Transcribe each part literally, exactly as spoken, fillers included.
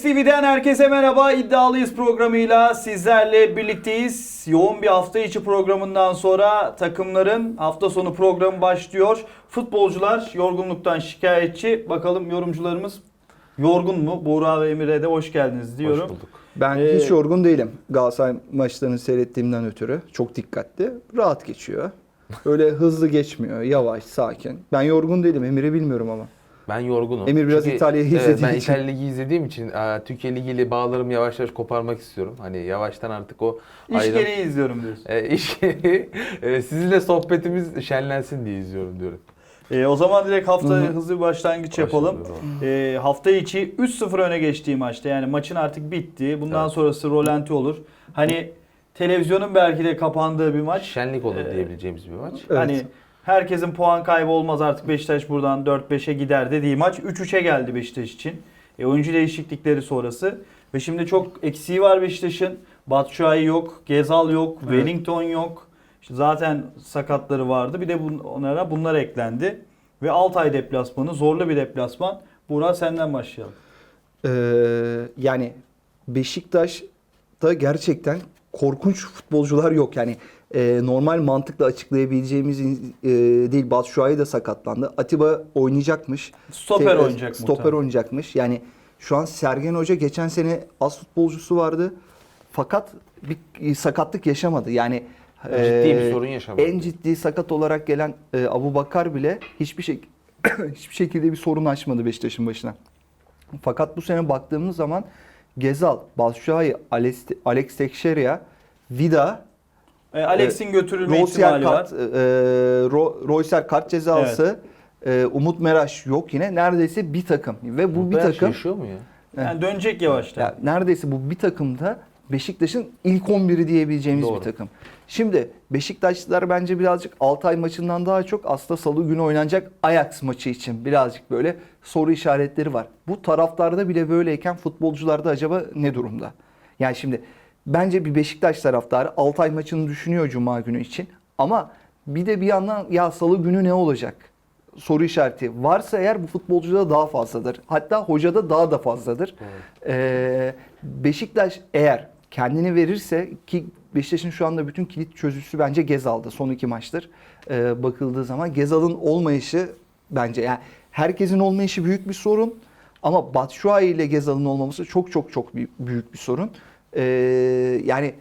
F T V'den herkese merhaba. İddialıyız programıyla sizlerle birlikteyiz. Yoğun bir hafta içi programından sonra takımların hafta sonu programı başlıyor. Futbolcular yorgunluktan şikayetçi. Bakalım yorumcularımız yorgun mu? Buğra ve Emir'e de hoş geldiniz diyorum. Hoş bulduk. Ben Ee, hiç yorgun değilim. Galatasaray maçlarını seyrettiğimden ötürü. Çok dikkatli. Rahat geçiyor. Öyle hızlı geçmiyor. Yavaş, sakin. Ben yorgun değilim. Emir'i bilmiyorum ama. Ben yorgunum. Emir biraz Çünkü, İtalya'yı evet, izlediği ben için. İtalya Ligi izlediğim için e, Türkiye Ligi ile bağlarımı yavaş yavaş koparmak istiyorum. Hani yavaştan artık o İş ayrım- gereği izliyorum diyorsun. E, iş gereği, e, sizinle sohbetimiz şenlensin diye izliyorum diyorum. Ee, o zaman direkt haftaya Hı hı. hızlı bir başlangıç yapalım. Ee, hafta içi üç sıfır öne geçtiği maçta, yani maçın artık bitti. Bundan Evet. sonrası rolanti olur. Hani televizyonun belki de kapandığı bir maç. Şenlik olur Ee, diyebileceğimiz bir maç. Evet. Hani herkesin puan kaybı olmaz, artık Beşiktaş buradan dört beşe gider dediği maç üç üçe geldi Beşiktaş için. E, oyuncu değişiklikleri sonrası. Ve şimdi çok eksiği var Beşiktaş'ın. Batshuayi yok, Gezal yok, Evet. Wellington yok. İşte zaten sakatları vardı. Bir de bun, onlara bunlar eklendi. Ve Altay deplasmanı, zorlu bir deplasman. Burak, senden başlayalım. Ee, yani Beşiktaş'ta gerçekten korkunç futbolcular yok. Yani e, normal mantıkla açıklayabileceğimiz e, değil. Batshuayi de sakatlandı. Atiba oynayacakmış. Stoper Te- oynayacak Stoper muhtemelen. oynayacakmış. Yani şu an Sergen Hoca geçen sene az futbolcusu vardı. Fakat bir sakatlık yaşamadı. Yani Ciddi e, bir sorun yaşamadı. En ciddi sakat olarak gelen e, Abubakar bile hiçbir şey hiçbir şekilde bir sorun açmadı Beşiktaş'ın başına. Fakat bu sene baktığımız zaman Gezal, Batshuayi, Alex, Alex Teixeira, Vida, E, Alex'in götürülme Royser ihtimali var. kart, e, Ro- Royser kart cezası, e, Umut Meraş yok yine. Neredeyse bir takım ve bu bir Beş takım yaşıyor mu ya? Yani dönecek yavaştan. ya neredeyse bu bir takımda Beşiktaş'ın ilk on biri diyebileceğimiz Doğru. bir takım. Şimdi Beşiktaşlılar bence birazcık Altay maçından daha çok aslında Salı günü oynanacak Ajax maçı için birazcık böyle soru işaretleri var. Bu taraftarda bile böyleyken futbolcularda acaba ne durumda? Yani şimdi bence bir Beşiktaş taraftarı Altay maçını düşünüyor Cuma günü için. Ama bir de bir yandan ya Salı günü ne olacak? Soru işareti varsa eğer bu futbolcuda daha fazladır. Hatta hocada daha da fazladır. Ee, Beşiktaş eğer kendini verirse, ki Beşiktaş'ın şu anda bütün kilit çözücüsü bence Gezal'da son iki maçtır. Ee, bakıldığı zaman Gezal'ın olmayışı bence, yani herkesin olmayışı büyük bir sorun. Ama Batshuayi ile Gezal'ın olmaması çok çok çok büyük, büyük bir sorun. Ee, yani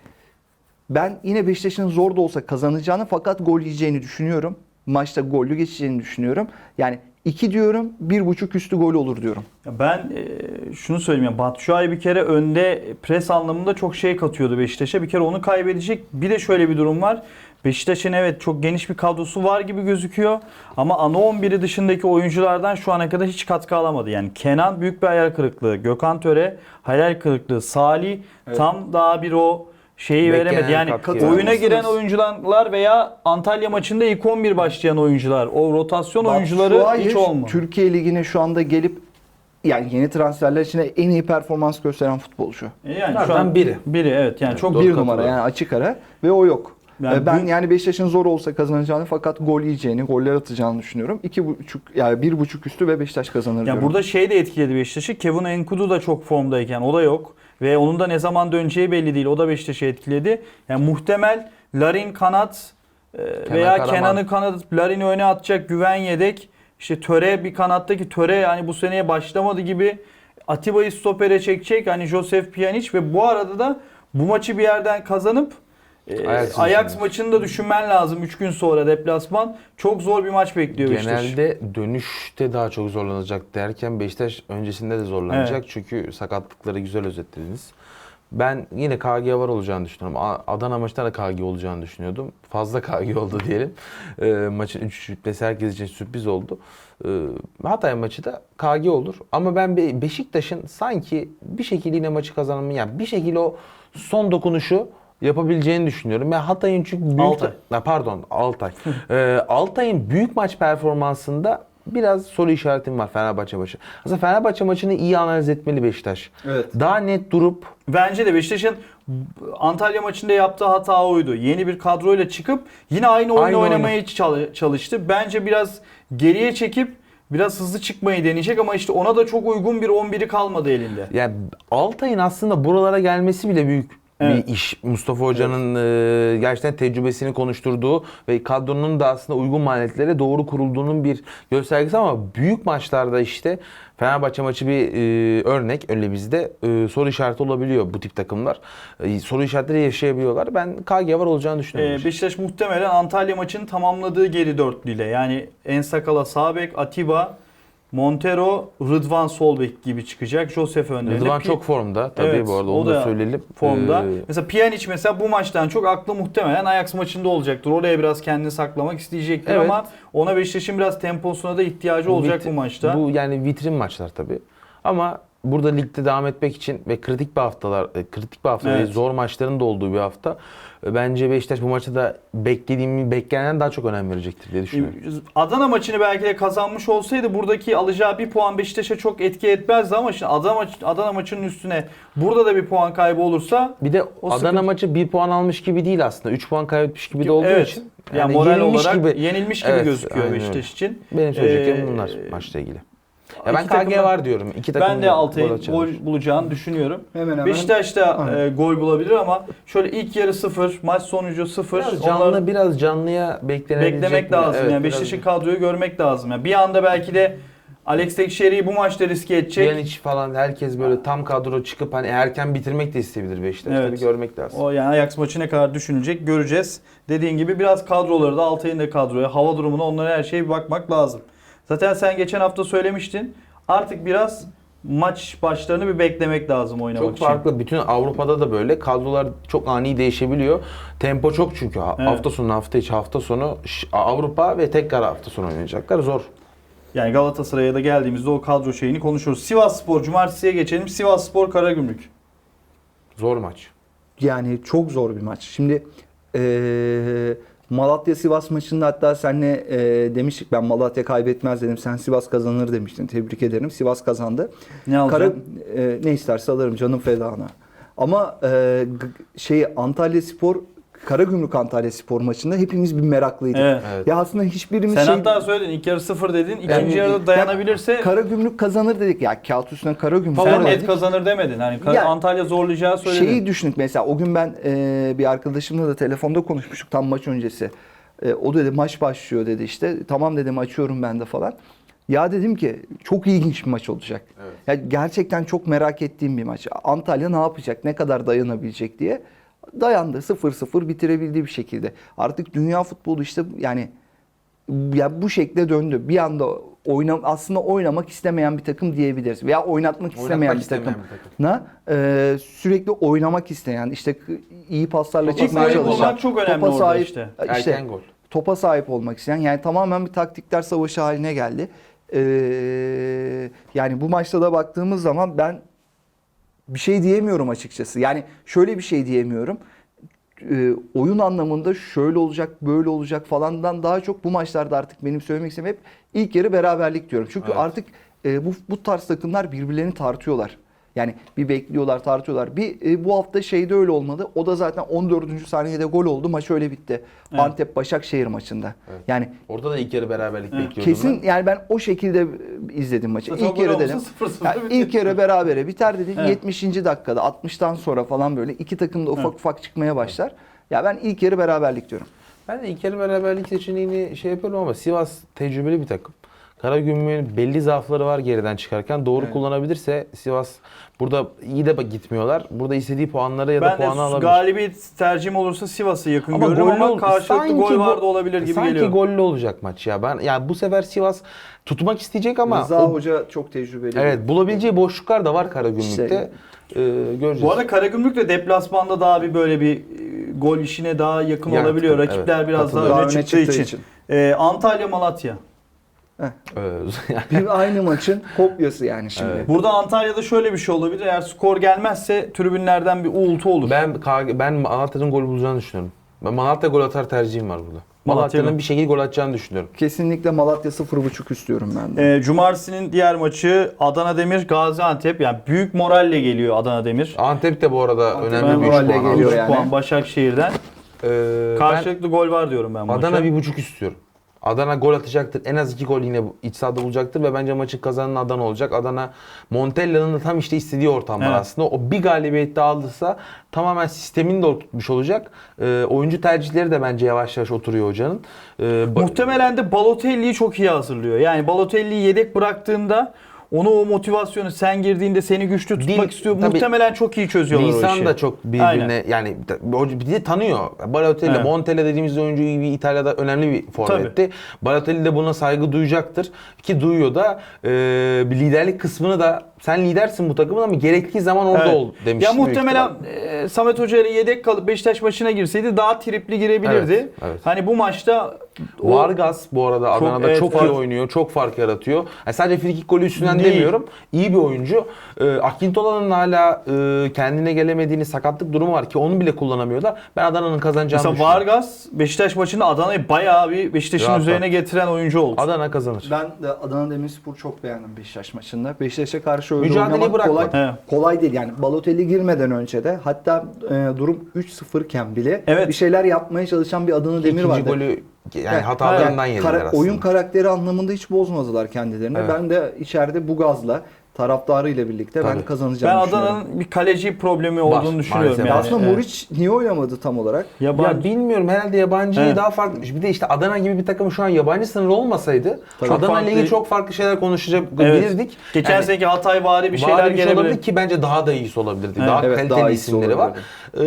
ben yine Beşiktaş'ın zor da olsa kazanacağını fakat gol yiyeceğini düşünüyorum. Maçta gollü geçeceğini düşünüyorum. Yani iki diyorum, bir buçuk üstü gol olur diyorum. Ya ben e, şunu söyleyeyim, ya Batshuayi bir kere önde pres anlamında çok şey katıyordu Beşiktaş'a. Bir kere onu kaybedecek. Bir de şöyle bir durum var. Beşiktaş'ın evet çok geniş bir kadrosu var gibi gözüküyor. Ama ana on biri dışındaki oyunculardan şu ana kadar hiç katkı alamadı. Yani Kenan büyük bir hayal kırıklığı. Gökhan Töre hayal kırıklığı. Salih Evet. tam daha bir o şeyi Beklenen veremedi. Yani katkı oyuna yani. giren oyuncular veya Antalya maçında ilk on bir başlayan oyuncular. O rotasyon oyuncuları Batshuayi hiç olmadı. Türkiye Ligi'ne şu anda gelip yani yeni transferler içinde en iyi performans gösteren futbolcu. E Yani şu Zaten an biri. Biri evet, yani Evet, çok doğru. Bir katılıyorum. numara yani açık ara ve o yok. Yani Ee, ben büyük- yani Beşiktaş'ın zor olsa kazanacağını fakat gol yiyeceğini, goller atacağını düşünüyorum. İki buçuk yani bir buçuk üstü ve Beşiktaş kazanır Ya diyorum. burada şey de etkiledi Beşiktaş'ı. Kevin Enkudu da çok formdayken o da yok. Ve onun da ne zaman döneceği belli değil. O da Beşiktaş'ı etkiledi. Yani muhtemel Larin kanat e, veya Karaman. Kenan'ı kanat, Larin'i öne atacak, Güven yedek. İşte Töre bir kanattaki Töre yani bu seneye başlamadı gibi. Atiba'yı stopere çekecek. Hani Josef Pjanic ve bu arada da bu maçı bir yerden kazanıp e, Ajax'ı Ajax düşünüyorsun. maçını da düşünmen lazım. üç gün sonra deplasman. Çok zor bir maç bekliyor Beşiktaş. Genelde dönüşte daha çok zorlanacak derken Beşiktaş öncesinde de zorlanacak. Evet. Çünkü sakatlıkları güzel özetlediniz. Ben yine K G var olacağını düşünüyorum. A- Adana maçında da K G olacağını düşünüyordum. Fazla K G oldu diyelim. E, maçın üç üç bitmesi herkes için sürpriz oldu. E, Hatay maçı da K G olur. Ama ben Be- Beşiktaş'ın sanki bir şekilde yine maçı kazanımı, yani bir şekilde o son dokunuşu yapabileceğini düşünüyorum. Ya Hatay'ın çünkü büyük... Altay. Ha, pardon Altay. ee, Altay'ın büyük maç performansında biraz soru işaretim var Fenerbahçe maçı. Aslında Fenerbahçe maçını iyi analiz etmeli Beşiktaş. Evet. Daha net durup Bence de Beşiktaş'ın Antalya maçında yaptığı hata oydu. Yeni bir kadroyla çıkıp yine aynı oyunu Aynı oynamaya çal- çalıştı. Bence biraz geriye çekip biraz hızlı çıkmayı deneyecek ama işte ona da çok uygun bir on biri kalmadı elinde. Yani Altay'ın aslında buralara gelmesi bile büyük Evet. bir iş. Mustafa Hoca'nın e, gerçekten tecrübesini konuşturduğu ve kadronun da aslında uygun maliyetlere doğru kurulduğunun bir göstergesi ama büyük maçlarda işte Fenerbahçe maçı bir e, örnek öyle bizde e, soru işareti olabiliyor bu tip takımlar. E, soru işaretleri yaşayabiliyorlar. Ben K G var olacağını düşünüyorum. Ee, Beşiktaş muhtemelen Antalya maçını tamamladığı geri dörtlüyle yani Ensakala sağ bek, Atiba, Montero, Rıdvan sol bek gibi çıkacak. Josef önlerinde. Rıdvan Pi- çok formda tabii Evet, bu arada o onu da da söyleyelim. formda. Ee, Mesela Pjanic mesela bu maçtan çok aklı muhtemelen Ajax maçında olacaktır. Oraya biraz kendini saklamak isteyecektir Evet. ama ona Beşiktaş'ın biraz temposuna da ihtiyacı olacak vit- bu maçta. Bu yani vitrin maçlar tabii. Ama burada ligde devam etmek için ve kritik bir haftalar, e, kritik bir hafta Evet. ve zor maçların da olduğu bir hafta. e, Bence Beşiktaş bu maçta da beklediğimi beklenenden daha çok önem verecektir diye düşünüyorum. Adana maçını belki de kazanmış olsaydı buradaki alacağı bir puan Beşiktaş'a çok etki etmezdi ama şimdi Adana, maç, Adana maçının üstüne burada da bir puan kaybı olursa Bir de O Adana sıkıntı- maçı bir puan almış gibi değil aslında. üç puan kaybetmiş gibi de olduğu evet, için. yani, moral yenilmiş olarak gibi. yenilmiş gibi Evet, gözüküyor aynen Beşiktaş için. Benim söyleyeceklerim Ee, bunlar maçla ilgili. Ya ben iki K G takımın- var diyorum. İki takım Ben de gol Altay'ın atacaklar. gol bulacağını düşünüyorum. Hemen hemen. Beşiktaş da Aynen. e, gol bulabilir ama şöyle ilk yarı sıfır, maç sonucu sıfır. Biraz canlı, Onları biraz canlıya beklenebilecek. beklemek bir- lazım. evet, yani biraz- Beşiktaş'ın kadroyu görmek lazım. Yani bir anda belki de Alex Tekşehir'i bu maçta riske edecek. Pjanic falan herkes böyle tam kadro çıkıp hani erken bitirmek de isteyebilir Beşiktaş. Evet. Tabii görmek lazım. O yani Ajax maçı ne kadar düşünülecek göreceğiz. Dediğin gibi biraz kadroları da Altay'ın da kadroya, hava durumuna, onlara her şeye bir bakmak lazım. Zaten sen geçen hafta söylemiştin. Artık biraz maç başlarını bir beklemek lazım oynamak Çok için. farklı. Bütün Avrupa'da da böyle kadrolar çok ani değişebiliyor. Tempo çok çünkü. Ha- Evet. Hafta sonu, hafta içi, hafta sonu ş- Avrupa ve tekrar hafta sonu oynayacaklar. Zor. Yani Galatasaray'a da geldiğimizde o kadro şeyini konuşuruz. Sivasspor, Cumartesi'ye geçelim. Sivasspor, Karagümrük. Zor maç. Yani çok zor bir maç. Şimdi eee Malatya Sivas maçında hatta senle eee, demiştik ben Malatya kaybetmez dedim. Sen Sivas kazanır demiştin. Tebrik ederim. Sivas kazandı. Ne alacak? Kara, eee, ne isterse alırım canım fedana. Ama eee, g- şey Antalya Spor Karagümrük Antalya Spor maçında hepimiz bir meraklıydık. Evet. Evet. Ya aslında hiçbirimiz Sen şey hatta söyledin ilk yarı sıfır dedin. İkinci Yani- yarıda dayanabilirse Karagümrük kazanır dedik. Ya kağıt üstüne Karagümrük. sen Favori net dedik. kazanır demedin. Hani Kar- Ya- Antalya zorlayacağı söyledin. Şeyi düşündük mesela o gün ben e, bir arkadaşımla da telefonda konuşmuştuk tam maç öncesi. E, o dedi maç başlıyor dedi işte. Tamam dedim açıyorum ben de falan. Ya dedim ki çok ilginç bir maç olacak. Evet. Ya gerçekten çok merak ettiğim bir maç. Antalya ne yapacak? Ne kadar dayanabilecek diye. Dayandı. sıfır sıfır bitirebildiği bir şekilde. Artık dünya futbolu işte yani ya bu şekle döndü. Bir anda oyna, aslında oynamak istemeyen bir takım diyebiliriz. Veya oynatmak istemeyen bir istemeyen takım. bir takım. Na, e, sürekli oynamak isteyen, işte k- iyi paslarla Topa çıkmaya golü sahip çalışan, bulmak çok önemli topa orada sahip, işte. işte Erken gol. topa sahip olmak isteyen, yani tamamen bir taktikler savaşı haline geldi. E, yani bu maçta da baktığımız zaman ben bir şey diyemiyorum açıkçası. Yani şöyle bir şey diyemiyorum. E, oyun anlamında şöyle olacak, böyle olacak falandan daha çok bu maçlarda artık benim söylemek istediğim hep ilk yarı beraberlik diyorum. Çünkü Evet. artık e, bu bu tarz takımlar birbirlerini tartıyorlar. Yani bir bekliyorlar, tartıyorlar. Bir e, bu hafta şeyde öyle olmadı. O da zaten on dördüncü saniyede gol oldu. Maç öyle bitti. Evet. Antep Başakşehir maçında. Evet. Yani Orada da ilk yarı beraberlik Evet. bekliyordum kesin ben. yani ben o şekilde izledim maçı. Zaten İlk gol yarı olmasa dedim. sıfır sıfır Yani bitti. ilk yarı berabere biter dedim. Evet. yetmişinci dakikada altmıştan sonra falan böyle iki takım da ufak Evet. ufak çıkmaya başlar. Ya ben ilk yarı beraberlik diyorum. Ben de ilk yarı beraberlik seçeneğini şey yapıyorum ama Sivas tecrübeli bir takım. Karagümrük'ün belli zaafları var geriden çıkarken. Doğru Evet. kullanabilirse Sivas burada iyi de gitmiyorlar. Burada istediği puanları ya da Ben puanı de alabilir. galibiyet tercihim olursa Sivas'ı yakın Ama görürüm gollü ama ol- karşılıklı sanki gol go- var da olabilir gibi sanki geliyor. gollü olacak maç ya. Ben yani bu sefer Sivas tutmak isteyecek ama Rıza o- Hoca çok tecrübeli. evet bulabileceği boşluklar da var Karagümrük'te. İşte- Ee, göreceğiz. Bu arada Karagümrük de deplasmanda daha bir böyle bir e, gol işine daha yakın Yakın, olabiliyor. evet. Rakipler biraz daha Katılıyorum. öne Daha çıktığı, için. Ee, Antalya Malatya. Ee, Bir aynı maçın kopyası yani şimdi. Evet. Burada Antalya'da şöyle bir şey olabilir. Eğer skor gelmezse tribünlerden bir uğultu olur. ben K G ben Malatya'nın gol bulacağını düşünüyorum. Ben Malatya gol atar tercihim var burada. Malatya Malatya'nın mı? bir şekilde gol atacağını düşünüyorum. Kesinlikle Malatya sıfır buçuk istiyorum ben de. Ee, Cumartesi'nin diğer maçı Adana Demir Gaziantep. Yani büyük moralle geliyor Adana Demir. Antep de bu arada Antep önemli bir üç moralle puan geliyor aldı. yani. puan Başakşehir'den. Ee, Karşılıklı gol var diyorum ben ben maça. Adana bir buçuk istiyorum. Adana gol atacaktır. En az iki gol yine iç sahada bulacaktır ve bence maçın kazanan Adana olacak. Adana Montella'nın da tam işte istediği ortam var Evet. aslında. O bir galibiyet daha aldıysa tamamen sistemini de oturtmuş olacak. Ee, oyuncu tercihleri de bence yavaş yavaş oturuyor hocanın. Ee, ba- Muhtemelen de Balotelli'yi çok iyi hazırlıyor. Yani Balotelli'yi yedek bıraktığında onu o motivasyonu sen girdiğinde seni güçlü tutmak Dil- istiyor. tabii Muhtemelen çok iyi çözüyorlar o işi. Nisan da çok birbirine Aynen. yani o bir de tanıyor. Balotelli, Evet. Montella dediğimiz oyuncu bir İtalya'da önemli bir forvetti. Balotelli de buna saygı duyacaktır ki duyuyor da e, bir liderlik kısmını da sen lidersin bu takımın ama gerektiği zaman orada Evet. ol demiş. Ya büyük muhtemelen ihtimal. e, Samet Hoca ile yedek kalıp Beşiktaş maçına girseydi daha tripli girebilirdi. Evet, evet. Hani bu maçta o- Vargas bu arada Çok- Adana'da evet, çok iyi fark- oynuyor. Çok fark yaratıyor. Yani sadece frikik golü üstünden Değil. demiyorum. İyi bir oyuncu. Ee, Akintola'nın hala e, kendine gelemediğini sakatlık durumu var ki onu bile kullanamıyorlar. Ben Adana'nın kazanacağını mesela düşünüyorum. Vargas Beşiktaş maçında Adana'yı bayağı bir Beşiktaş'ın Rahat üzerine rahat. getiren oyuncu oldu. Adana kazanır. Ben de Adana Demirspor'u çok beğendim Beşiktaş maçında. Beşiktaş'a karşı öyle Mücadeleyi oynamak bırakma. kolay, Evet. kolay değil. Yani Balotelli girmeden önce de hatta e, durum üç sıfır iken bile Evet. bir şeyler yapmaya çalışan bir Adana Demir İkinci vardı. golü yani Yani hatalarından yani yediler kara- aslında. Oyun karakteri anlamında hiç bozmadılar kendilerini. Evet. Ben de içeride bu gazla taraftarıyla birlikte ben Tabii. kazanacağımı Ben düşünüyorum. Adana'nın bir kaleci problemi olduğunu Var, düşünüyorum. maalesef. Yani. Aslında Evet. Muriç niye oynamadı tam olarak? Yabancı. Ya bilmiyorum herhalde yabancıyı Evet. daha farklı. Bir de işte Adana gibi bir takım şu an yabancı sınırı olmasaydı Tabii. Adana Çok ile ilgili farklı- çok farklı şeyler konuşabilirdik. Evet. Geçen Yani seneki Hatay vari bir şeyler Bari bir şey olabilir gelebilir. ki bence daha da iyisi olabilirdi. Evet. Daha Evet, kaliteli daha iyisi isimleri var. Ee,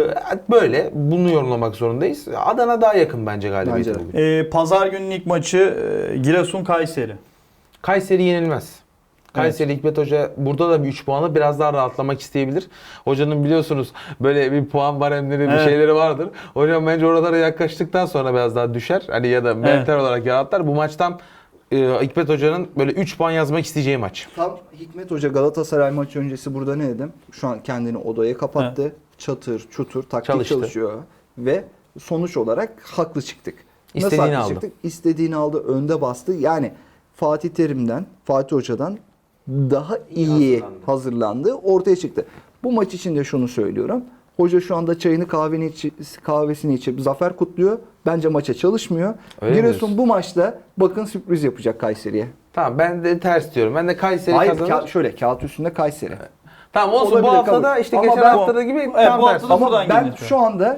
böyle bunu yorumlamak zorundayız. Adana daha yakın bence galibiyete Bence de. bugün. Ee, Pazar günün ilk maçı e, Giresun Kayseri. Kayseri yenilmez. Kayseri Hikmet Hoca burada da bir üç puanla biraz daha rahatlamak isteyebilir. Hocanın biliyorsunuz böyle bir puan baremleri bir Evet. şeyleri vardır. Hocam bence oralara yaklaştıktan sonra biraz daha düşer. Hani ya da mental Evet. olarak yaratlar. Bu maçtan e, Hikmet Hoca'nın böyle üç puan yazmak isteyeceği maç. Tam Hikmet Hoca Galatasaray maçı öncesi burada ne dedim? Şu an kendini odaya kapattı. Çatır, çutur, taktik Çalıştı. çalışıyor ve sonuç olarak haklı çıktık. Nasıl İstediğini haklı aldı. çıktık? İstediğini aldı, önde bastı. Yani Fatih Terim'den, Fatih Hoca'dan daha iyi hazırlandı. hazırlandı. Ortaya çıktı. Bu maç için de şunu söylüyorum. Hoca şu anda çayını kahveni içi, kahvesini içip zafer kutluyor. Bence maça çalışmıyor. Öyle mi Giresun diyorsun? bu maçta bakın sürpriz yapacak Kayseri'ye. Tamam ben de ters diyorum. Ben de Kayseri Hayır kazanır. ka- şöyle kağıt üstünde Kayseri. Tamam olsun Olabilir, bu hafta kabul. da işte Ama geçen ben- haftada gibi Evet, tam bu tersi. hafta da Ama buradan ben gidiyor. şu anda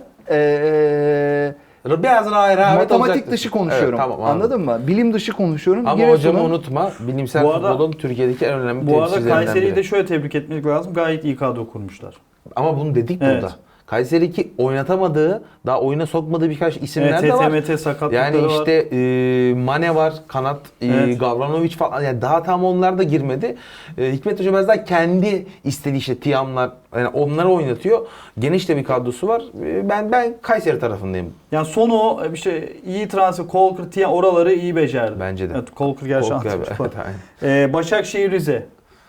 eee, Biraz daha rehavet matematik olacaktır. dışı konuşuyorum. Evet, tamam, anladım. Anladın mı? Bilim dışı konuşuyorum. Ama Giresun'un- hocamı unutma. Bilimsel Bu arada- futbolun Türkiye'deki en önemli Bu arada temsilcilerinden Kayseri'yi biri. de şöyle tebrik etmek lazım. Gayet iyi kadro kurmuşlar. Ama bunu dedik Evet. burada. Kayseri ki oynatamadığı, daha oyuna sokmadığı birkaç isimler Evet, de var. T T M T sakatlıkları Yani var. işte e, Mane var, kanat, e, Evet. Gavranovic falan. Yani daha tam onlar da girmedi. E, Hikmet Hoca biraz daha kendi istediği işte Tiamlar, yani onları oynatıyor. Geniş de bir kadrosu var. E, ben ben Kayseri tarafındayım. Yani son o işte iyi transfer, Colker, Tiyan oraları iyi becerdi. Bence de. Evet, Colker gerçi Korkuyor abi. antrenör. Evet, aynen. Ee, Başakşehir Rize.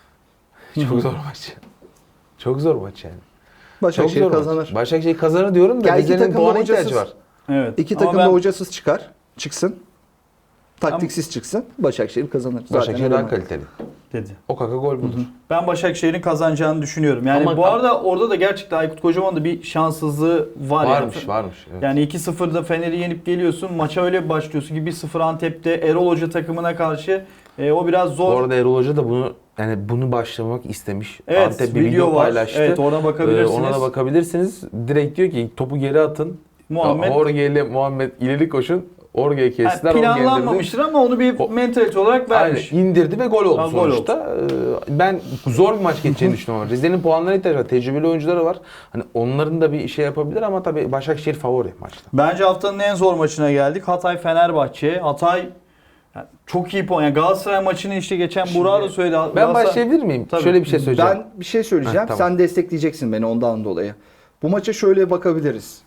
Çok zor maç. Çok zor maç yani. Çok Başakşehir zor kazanır. maç. Başakşehir kazanır diyorum da Ya iki Rize'nin takım da puana hocasız. ihtiyacı var. Evet. İki Ama takım da ben- hocasız çıkar. Çıksın. Taktiksiz çıksın. Başakşehir kazanır. Zaten Başakşehir daha öyle. kaliteli. dedi. O kaka gol budur. Ben Başakşehir'in kazanacağını düşünüyorum. Yani Ama- bu arada orada da gerçekten Aykut Kocaman da bir şanssızlığı var. Varmış, yani. varmış. Evet. Yani iki sıfırda Fener'i yenip geliyorsun. Maça öyle bir başlıyorsun ki bir sıfır Antep'te Erol Hoca takımına karşı e, o biraz Bu zor. arada Erol Hoca da bunu yani bunu başlamak istemiş. Evet, Antep bir video video var. paylaştı. Evet, ona bakabilirsiniz. Ee, ona da bakabilirsiniz. Direkt diyor ki topu geri atın. Muhammed Orge ile Muhammed ileri koşun. Orge'ye yani kestiler. Orge indirdi. planlanmamıştır ama onu bir O- mentalite olarak vermiş. Aynen, indirdi ve gol oldu Ha, gol sonuçta. Ee, Ben zor bir maç geçeceğini düşünüyorum. ama Rize'nin puanlarına ihtiyacı var. Tecrübeli oyuncuları var. Hani onların da bir şey yapabilir ama tabii Başakşehir favori maçta. Bence haftanın en zor maçına geldik. Hatay Fenerbahçe. Hatay yani çok iyi puan. Yani Galatasaray maçını işte geçen Burak'a da söyledi. Ben Galatasaray- başlayabilir miyim? Tabii. Şöyle bir şey söyleyeceğim. Ben bir şey söyleyeceğim. Heh, tamam. Sen destekleyeceksin beni ondan dolayı. Bu maça şöyle bakabiliriz.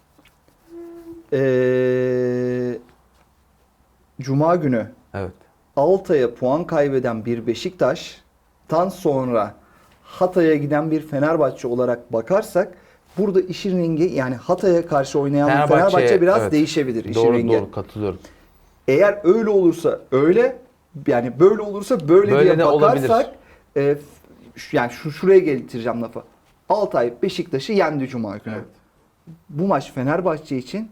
Ee, Cuma günü Evet. Altay'a puan kaybeden bir Beşiktaş'tan sonra Hatay'a giden bir Fenerbahçe olarak bakarsak burada işin rengi yani Hatay'a karşı oynayan bir Fenerbahçe, Fenerbahçe biraz evet. değişebilir işin Doğru rengi. doğru katılıyorum. Eğer öyle olursa öyle yani böyle olursa böyle, Böyle diye de olabilir. bakarsak e, şu- yani şu şuraya getireceğim lafı. Altay Beşiktaş'ı yendi Cuma günü. Evet. Bu maç Fenerbahçe için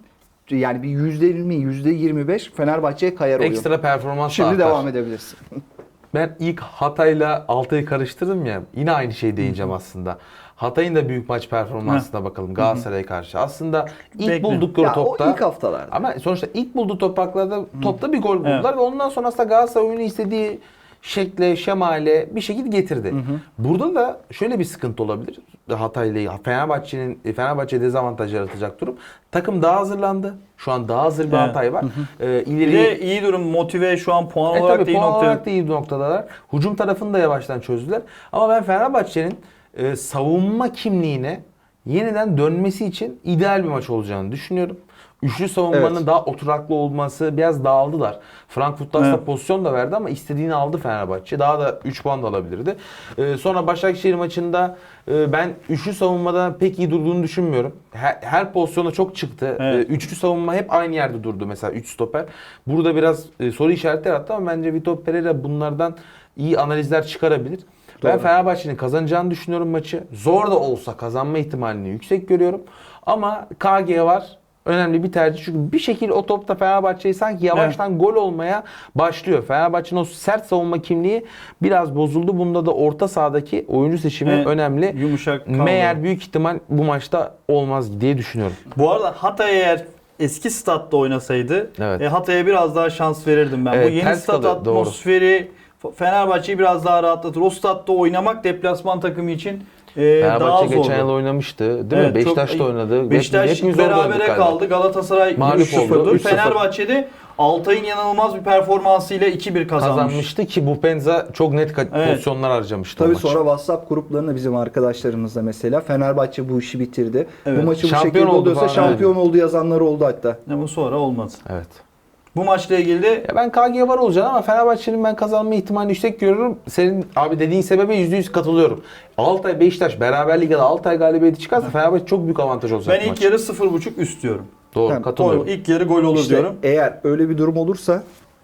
yani bir yüzde yirmi, yüzde yirmi beş Fenerbahçe'ye kayar oyun. Ekstra performans Şimdi artar. devam edebilirsin. Ben ilk Hatay'la Altay'ı karıştırdım ya. Yine aynı şeyi değineceğim aslında. Hatay'ın da büyük maç performansına bakalım Galatasaray'a karşı. Aslında ilk Bekle. buldukları Ya topta o ilk haftalarda. ama sonuçta ilk bulduğu topraklarda topta bir gol buldular ve ondan sonra aslında Galatasaray oyunu istediği şekle, şemale bir şekilde getirdi. Burada da şöyle bir sıkıntı olabilir. Hatay'la Fenerbahçe'nin Fenerbahçe dezavantaj yaratacak durum. Takım daha hazırlandı. Şu an daha hazır bir Evet. Hatay var. Ee, Bir ileri de iyi durum, motive şu an puan e olarak tabii da iyi puan nokta. olarak da iyi bir noktadalar. Hücum tarafını da yavaştan çözdüler. Ama ben Fenerbahçe'nin e, savunma kimliğine yeniden dönmesi için ideal bir maç olacağını düşünüyorum. Üçlü savunmanın Evet. daha oturaklı olması, biraz dağıldılar. Frankfurt'ta aslında Evet. pozisyon da verdi ama istediğini aldı Fenerbahçe. Daha da üç puan da alabilirdi. E, sonra Başakşehir maçında e, ben üçlü savunmada pek iyi durduğunu düşünmüyorum. Her, her pozisyona çok çıktı. Evet. E, üçlü savunma hep aynı yerde durdu mesela üç stoper. Burada biraz e, soru işaretleri attı ama bence Vitor Pereira bunlardan iyi analizler çıkarabilir. Ben Doğru. Fenerbahçe'nin kazanacağını düşünüyorum maçı. Zor da olsa kazanma ihtimalini yüksek görüyorum. Ama K G var. Önemli bir tercih. Çünkü bir şekilde o topta Fenerbahçe'yi sanki yavaştan gol olmaya başlıyor. Fenerbahçe'nin o sert savunma kimliği biraz bozuldu. Bunda da orta sahadaki oyuncu seçimi Evet, önemli. yumuşak kaldı. Meğer büyük ihtimal bu maçta olmaz diye düşünüyorum. Bu arada Hatay eğer eski statta oynasaydı Evet. e, Hatay'a biraz daha şans verirdim ben. Evet, Bu yeni ters stat kalıyor, doğru. atmosferi F- Fenerbahçe'yi biraz daha rahatlatır. O statta oynamak deplasman takımı için e, daha Fenerbahçe zor. geçen yıl oynamıştı değil mi? Evet, çok- Beşiktaş'ta oynadı. Beşiktaş Hepimiz orada oynadık berabere galiba. kaldı. Galatasaray Mağlup üç sıfırdı. oldu, üç sıfır. Fenerbahçe'de Altay'ın yanılmaz bir performansıyla iki bir kazanmış. Kazanmıştı ki bu Penza çok net ka- Evet. pozisyonlar harcamıştı o Tabii maç. sonra WhatsApp gruplarında bizim arkadaşlarımızla mesela Fenerbahçe bu işi bitirdi. Evet. Bu maçı bu Şampiyon şekilde oldu oluyorsa falan, şampiyon oldu yazanlar oldu hatta. Ama sonra olmadı. Evet. Bu maçla ilgili de Ya ben K G var olacağını ama Fenerbahçe'nin ben kazanma ihtimalini yüksek görüyorum. Senin abi dediğin sebebe yüzde yüz katılıyorum. Altay Beşiktaş beraberlik ya da Altay galibiyeti çıkarsa Fenerbahçe çok büyük avantaj olacak ben bu ilk maç. yarı sıfır buçuk üst diyorum. Doğru Yani katılıyorum. İlk yarı gol olur İşte diyorum. eğer öyle bir durum olursa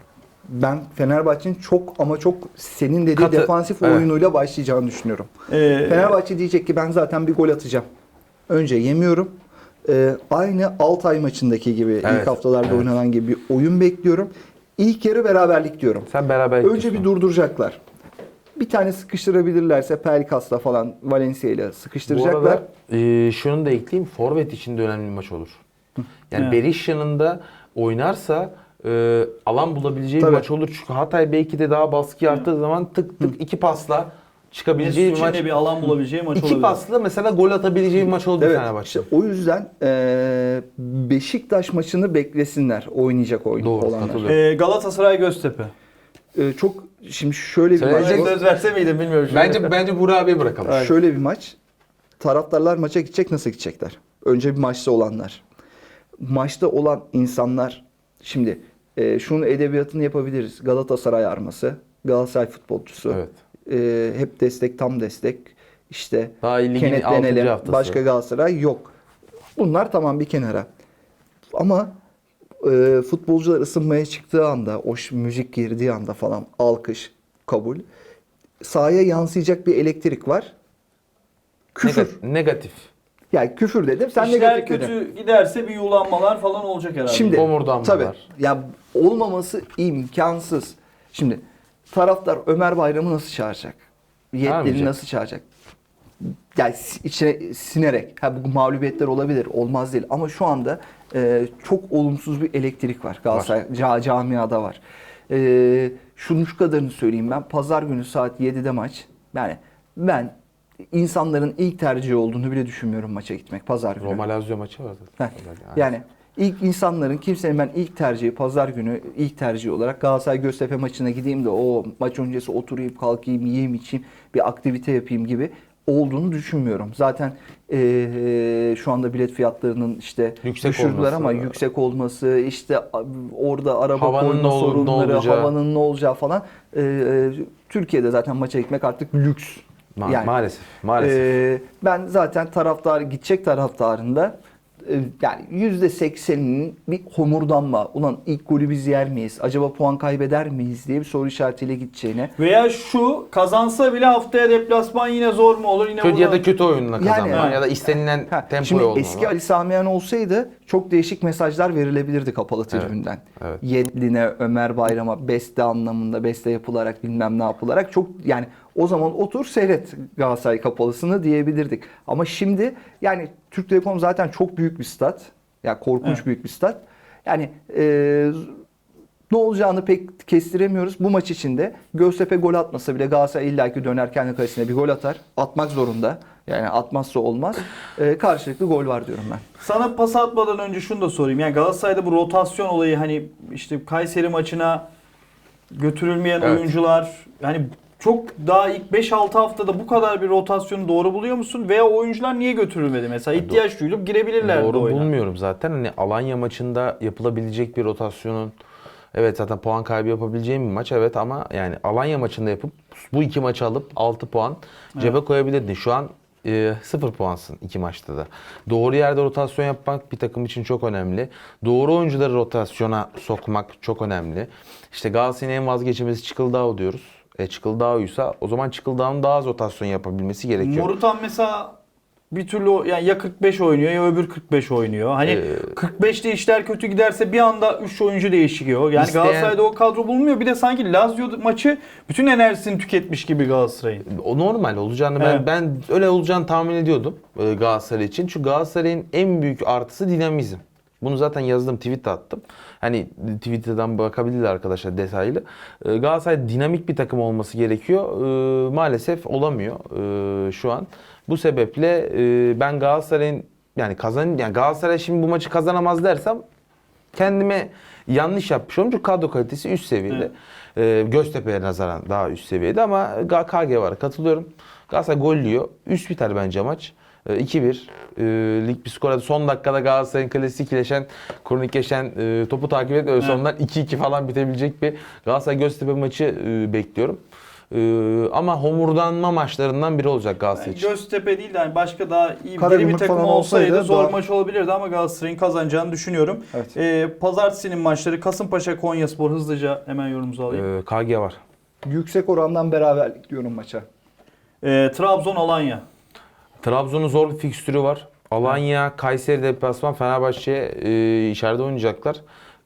ben Fenerbahçe'nin çok ama çok senin dediği Katı- defansif evet. oyunuyla başlayacağını düşünüyorum. Ee, Fenerbahçe diyecek ki ben zaten bir gol atacağım. Önce yemiyorum. Ee, aynı Altay maçındaki gibi Evet, ilk haftalarda evet. oynanan gibi bir oyun bekliyorum. İlk yarı beraberlik diyorum. Sen beraber Önce gidiyorsun. bir durduracaklar. Bir tane sıkıştırabilirlerse Pelkas'la falan Valencia ile Bu sıkıştıracaklar. arada e, şunu da ekleyeyim. Forvet için de önemli bir maç olur. Yani Evet. Berisha'nın da oynarsa e, alan bulabileceği Tabii. bir maç olur. Çünkü Hatay belki de daha baskı arttığı zaman tık tık iki pasla çıkabileceği bir Mesut maç. için de bir alan bulabileceği maç İki olabilir. pasla mesela gol atabileceği bir maç oldu Evet. Fenerbahçe. İşte o yüzden eee, Beşiktaş maçını beklesinler oynayacak oyun Doğru, olanlar. katılıyorum. Ee, Galatasaray Göztepe. Eee, çok şimdi şöyle bir Söyleyecek maç. Söz verse miydim bilmiyorum. şimdi. Bence bence Burak abiye bırakalım. Şöyle bir maç. Taraftarlar maça gidecek, nasıl gidecekler? Önce bir maçta olanlar. Maçta olan insanlar şimdi eee şunun edebiyatını yapabiliriz. Galatasaray arması, Galatasaray futbolcusu. Evet. Eee, hep destek, tam destek. İşte Daha ligin altıncı kenetlenelim. haftası. Başka Galatasaray yok. Bunlar tamam bir kenara. Ama e, futbolcular ısınmaya çıktığı anda, o ş- müzik girdiği anda falan alkış, kabul. Sahaya yansıyacak bir elektrik var. Küfür. Negatif. Negatif. Yani küfür dedim. Sen İşler negatif kötü dedin. giderse bir yulanmalar falan olacak herhalde. Şimdi Homurdanmalar. tabii ya olmaması imkansız. Şimdi taraftar Ömer Bayram'ı nasıl çağıracak? Yetkili Çağırmayacak. nasıl çağıracak? Yani si- içine sinerek. Ha bu mağlubiyetler olabilir, olmaz değil. Ama şu anda e, çok olumsuz bir elektrik var Galatasaray ca- camiada var. E, şunun şu kadarını söyleyeyim ben. Pazar günü saat yedide maç. Yani ben insanların ilk tercihi olduğunu bile düşünmüyorum maça gitmek pazar günü. Roma Lazio maçı vardı. Heh, Yani ilk insanların kimsenin ben ilk tercihi pazar günü ilk tercihi olarak Galatasaray Göztepe maçına gideyim de o maç öncesi oturayım kalkayım yiyeyim içeyim bir aktivite yapayım gibi olduğunu düşünmüyorum. Zaten eee, şu anda bilet fiyatlarının işte Yüksek düşürdüler olması. ama yüksek olması işte a- orada araba Havanın koyma ne ol- ne sorunları, olacağı. havanın ne olacağı falan. Eee, Türkiye'de zaten maça gitmek artık lüks. Ma- Yani, maalesef. Maalesef. Ee, ben zaten taraftar gidecek taraftarında e, yani yüzde sekseninin bir homurdanma. Ulan ilk golü biz yer miyiz? Acaba puan kaybeder miyiz diye bir soru işaretiyle gideceğine. Veya şu kazansa bile haftaya deplasman yine zor mu olur? Yine Kötü ya burada- da kötü oyunla kazanma Yani- ya da istenilen Ha, tempoya şimdi olma. eski Ali Sami Yen olsaydı çok değişik mesajlar verilebilirdi kapalı Evet, tribünden. evet. Yedlin'e, Ömer Bayram'a beste anlamında beste yapılarak bilmem ne yapılarak çok yani o zaman otur seyret Galatasaray kapalısını diyebilirdik. Ama şimdi yani Türk Telekom zaten çok büyük bir stat. Yani korkunç Evet. büyük bir stat. Yani e, ne olacağını pek kestiremiyoruz. Bu maç içinde Göztepe gol atmasa bile Galatasaray illaki döner kendi kalesine bir gol atar. Atmak zorunda. Yani atmazsa olmaz. Ee, karşılıklı gol var diyorum ben. Sana pas atmadan önce şunu da sorayım. Yani Galatasaray'da bu rotasyon olayı hani işte Kayseri maçına götürülmeyen Evet. oyuncular yani çok daha ilk beş altı haftada bu kadar bir rotasyonu doğru buluyor musun? Veya oyuncular niye götürülmedi mesela? İhtiyaç duyulup girebilirlerdi Doğru oyuna. bulmuyorum zaten. Hani Alanya maçında yapılabilecek bir rotasyonun evet zaten puan kaybı yapabileceğim bir maç evet ama yani Alanya maçında yapıp bu iki maçı alıp altı puan cebe koyabilirdin. Şu an e, sıfır puansın iki maçta da. Doğru yerde rotasyon yapmak bir takım için çok önemli. Doğru oyuncuları rotasyona sokmak çok önemli. İşte Galatasaray'ın en vazgeçilmezi Çıkıldağ diyoruz. E Çıkıldağ'ysa o zaman Çıkıldağ'ın daha az rotasyon yapabilmesi gerekiyor. Morutan mesela bir türlü o- yani ya kırk beş oynuyor ya öbür kırk beş oynuyor. Hani Ee, kırk beşte işler kötü giderse bir anda üç oyuncu değişiyor. Yani İsteyen- Galatasaray'da o kadro bulunmuyor. Bir de sanki Lazio maçı bütün enerjisini tüketmiş gibi Galatasaray'ın. O normal olacağını ben Evet. ben öyle olacağını tahmin ediyordum e, Galatasaray için. Çünkü Galatasaray'ın en büyük artısı dinamizm. Bunu zaten yazdım, tweet attım. Hani Twitter'dan bakabilirler arkadaşlar detaylı. E, Galatasaray dinamik bir takım olması gerekiyor. E, maalesef olamıyor e, şu an. Bu sebeple e, ben Galatasaray'ın yani kazan yani Galatasaray şimdi bu maçı kazanamaz dersem kendime yanlış yapmış olurum. Çünkü kadro kalitesi üst seviyede. Ee, Göztepe'ye nazaran daha üst seviyede ama K G var. Katılıyorum. Galatasaray gollüyor. Üst biter bence maç. Ee, iki bir. Ee, lig bir skora son dakikada Galatasaray'ın klasikleşen, kronikleşen e, topu takip edip öyle sonlar iki iki falan bitebilecek bir Galatasaray Göztepe maçı e, bekliyorum. Ee, ama homurdanma maçlarından biri olacak Galatasaray için. Göztepe değil de hani başka daha iyi bir Karagümrük bir takım falan olsaydı, olsaydı zor daha- maç olabilirdi ama Galatasaray'ın kazanacağını düşünüyorum. Evet. Ee, Pazartesinin maçları Kasımpaşa Konyaspor hızlıca hemen yorumunuzu alayım. Ee, K G var. Yüksek orandan beraberlik diyorum maça. Ee, Trabzon Alanya. Trabzon'un zor bir fikstürü var. Alanya, Kayseri deplasman, Fenerbahçe e, içeride oynayacaklar.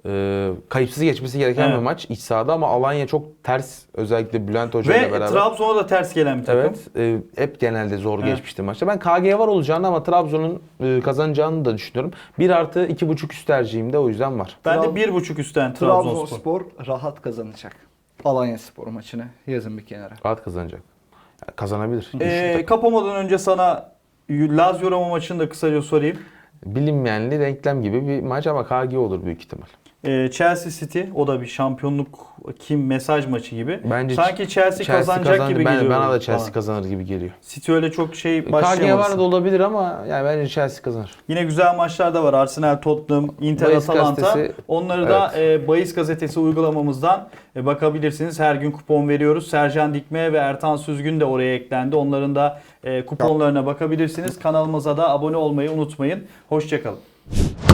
E, kayıpsız geçmesi gereken Evet. bir maç iç sahada ama Alanya çok ters özellikle Bülent Hoca ile Ve beraber. Trabzon'a da ters gelen bir takım. Evet, e, hep genelde zor Evet. geçmişti maçta. Ben K G var olacağını ama Trabzon'un e, kazanacağını da düşünüyorum. bir artı iki buçuk üst tercihim de o yüzden var. Ben de Trab- bir buçuk üstten Trabzonspor. Trabzonspor rahat kazanacak. Alanya Spor maçını yazın bir kenara. Rahat kazanacak. Yani kazanabilir. Güçlü Ee, takım. kapamadan önce sana Lazio Roma maçını da kısaca sorayım. Bilinmeyenli denklem gibi bir maç ama K G olur büyük ihtimal. Ee, Chelsea City o da bir şampiyonluk kim mesaj maçı gibi. Bence Sanki Chelsea, kazanacak kazanır. gibi ben, geliyor. Bana da Chelsea bana. kazanır gibi geliyor. City öyle çok şey K G başlayamaz. var da olabilir ama yani bence Chelsea kazanır. Yine güzel maçlar da var. Arsenal, Tottenham, Inter, Bahis Atalanta. gazetesi- Onları da e, Bahis Gazetesi uygulamamızdan e, bakabilirsiniz. Her gün kupon veriyoruz. Sercan Dikme ve Ertan Süzgün de oraya eklendi. Onların da e, kuponlarına bakabilirsiniz. Kanalımıza da abone olmayı unutmayın. Hoşçakalın.